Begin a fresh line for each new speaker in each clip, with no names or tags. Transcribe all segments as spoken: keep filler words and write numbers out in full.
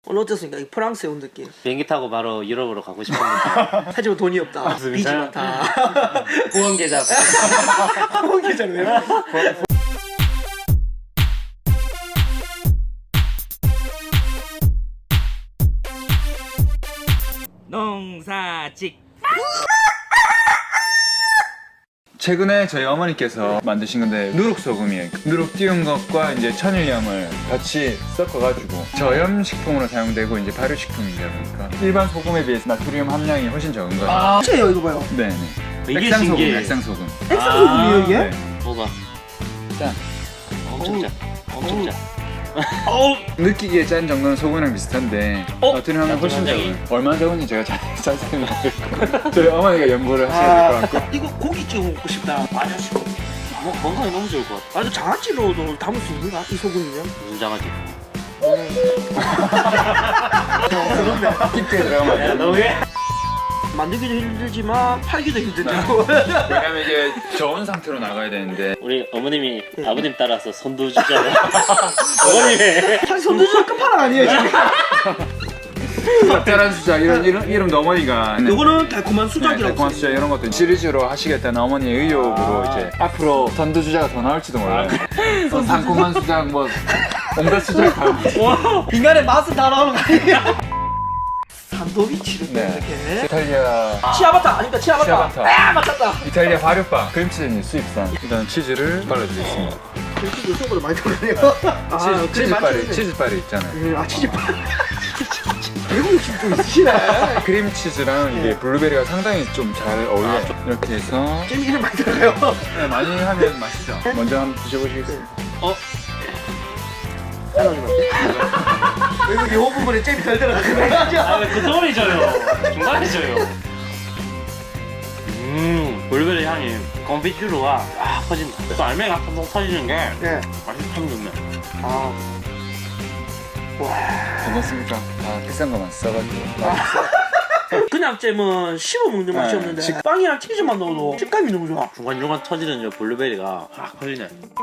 오늘 어땠습니까? 이 프랑스에 온 느낌.
비행기 타고 바로 유럽으로 가고 싶은 느낌.
하지만 돈이 없다. 빚이 많다.
후원 계좌.
후원 계좌는 왜?
농사직.
최근에 저희 어머니께서 만드신 건데 누룩소금이에요. 누룩 띄운 것과 이제 천일염을 같이 섞어가지고 저염식품으로 사용되고 이제 발효식품이다 보니까 일반 소금에 비해서 나트륨 함량이 훨씬 적은 거예요.
아, 진짜요 이거 봐요.
네네.
이게
액상소금,
신기해.
액상소금.
액상소금이에요 이게?
네.
뭐가?
짠.
엄청 짜. 엄청 짜.
어우.
느끼기에 짠 정도는 소금이랑 비슷한데
어?
나트륨 함량 훨씬
나트륨
적어요. 얼마나 적은지 제가 자, 자세히 모르겠고 저희 어머니가 연구를 하셔야 될 것 같고.
이거 고기 찍어 먹고 싶다. 아저씨.
뭐, 건강에 너무 좋을 것 같아.
아주 장아찌로도 담을 수 있는가? 이 소금이면?
무슨 장아찌?
그런데
깊게 들어가면 안 돼요.
너무해?
만들기도 힘들지만 팔기도 힘들죠.
왜냐면 이게 저온 상태로 나가야 되는데
우리 어머님이 아버님 따라서 선두주자로. 어머님의.
사실 손주자 끝판왕 아니에요 지금?
짭짤한 수작 이런 이름, 이름도 어머니가
요거는 달콤한
네,
수작이라고.
달콤한 수작 이런 것도 시리즈로 하시겠다는 어머니의 의욕으로
아.
이제 앞으로 선두주자가 더 나올지도 몰라요. 어, 상콤한 수작 뭐 온갖 수작 다.
인간의 맛은 다 나오는 거 아니에요? 산도비치를
네.
이렇게.
이탈리아
치아바타 아닙니까? 치아바타.
치아바타.
아 맞췄다.
이탈리아 발효빵 크림치즈 수입산. 일단 치즈를 발라드리겠습니다.
치즈 생각보다 많이 들어가네요. 아,
치즈,
그래,
치즈빨이
맞추는데.
치즈빨이 있잖아요.
음, 아 치즈빨. 외국 욕심 좀 있으시네.
크림치즈랑 이게 블루베리가 상당히 좀 잘 어울려요. 이렇게 해서
잼 이름 많이 들어가요.
네, 많이 하면 맛있죠. 먼저 한번 드셔보시겠어요?
어?
외국 요 부분에 잼이 덜 들어가요.
아, 왜 그 소리 줘요? 중간에 줘요. 음, 블루베리 향이 건피주로가 아 퍼진다. 또 알맹이가 한번 터지는 게
네.
맛이 참 좋네.
아.
괜찮습니까? 아 비싼 거만 써가지고.
그냥 잼은 씹어 먹는 맛이
네,
없는데
식-
빵이랑 치즈만 넣어도 식감이 너무 좋아.
중간중간 터지는 저 블루베리가 확 퍼지네.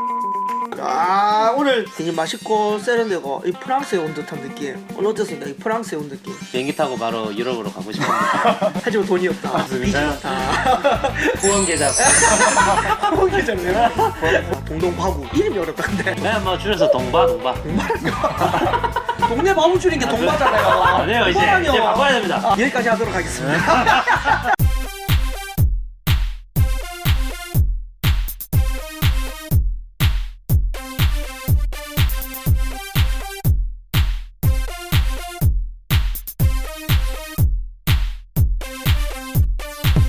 아 오늘 되게 맛있고 세련되고 이 프랑스에 온 듯한 느낌. 오늘 어땠습니까? 이 프랑스에 온 느낌.
비행기 타고 바로 유럽으로 가고 싶은 느낌.
하지만 돈이 없다. 빚이
진짜요?
많다.
후원 계좌.
후원 계좌는 동동바구 이름이 어렵다 근데.
그냥 뭐 줄여서 동바 동바.
동네 바보 줄인 게 동바잖아요.
아니에요 이제 이제 바꿔야 됩니다.
여기까지 하도록 하겠습니다.